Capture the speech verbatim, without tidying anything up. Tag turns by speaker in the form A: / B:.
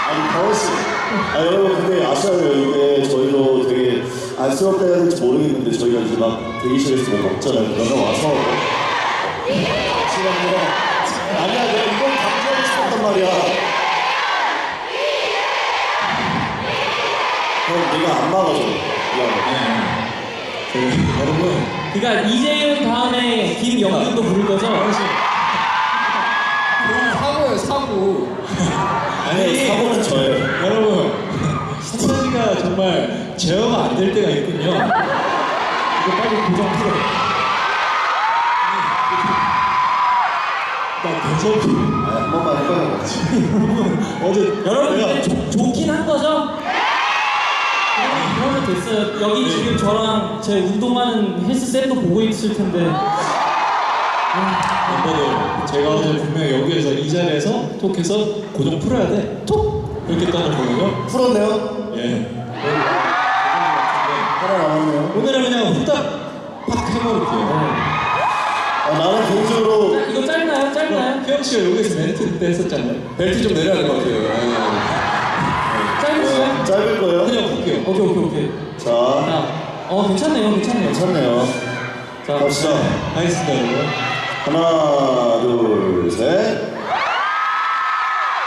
A: 아니 가오씨, 아 여러분 근데 아셔야 돼요. 이게 저희도 되게 안쓰럽다 해야 될지 모르겠는데 저희가 이제 막 대기실에서 뭐 먹잖아요. 그러면 와서 시간이라 아니야 내가 이건 강조하고 싶었단 말이야. 형 내가 안 막아줘. 미안해.
B: 그, 여러분
C: 그러니까 이재윤 다음에 김영준도 부를 거죠?
B: 사고예요 사고.
A: 아니 사고는 저예요.
B: 여러분 신천지가 정말 제어가 안 될 때가 있군요. 이거 빨리 고정 풀어. 나 대접이.
A: 아, 한 번만 해봐요.
B: 여러분 어제
C: 여러분
B: 내가
C: 이게 좋- 좋긴 한 거죠? 그러면, 그러면 됐어요. 여기
B: 네.
C: 지금 저랑 제 운동하는 헬스셋도 보고 있을 텐데
B: 멤버들 제가 어제 분명히 여기에서 이 자리에서 톡해서 고정 풀어야 돼. 톡 이렇게 떠났거든요.
A: 풀었네요.
B: 예.
A: 하나 남았네요.
B: 오늘은 그냥 후딱 팍 해버릴게요.
A: 아, 나는 개인적으로
C: 이거 짧나요? 짧나요?
B: 혜영 씨가 여기서 멘트 때 했었잖아요. 벨트 좀 내려야 될 것 같아요.
C: 짧으시죠?
A: 짧을 거예요.
B: 그냥 볼게요.
C: 오케이 오케이 오케이.
A: 자,
C: 자, 어 괜찮네요, 괜찮네요.
A: 괜찮네요.
C: 자,
A: 갑시다.
B: 알겠습니다, 여러분.
A: 하나, 둘, 셋.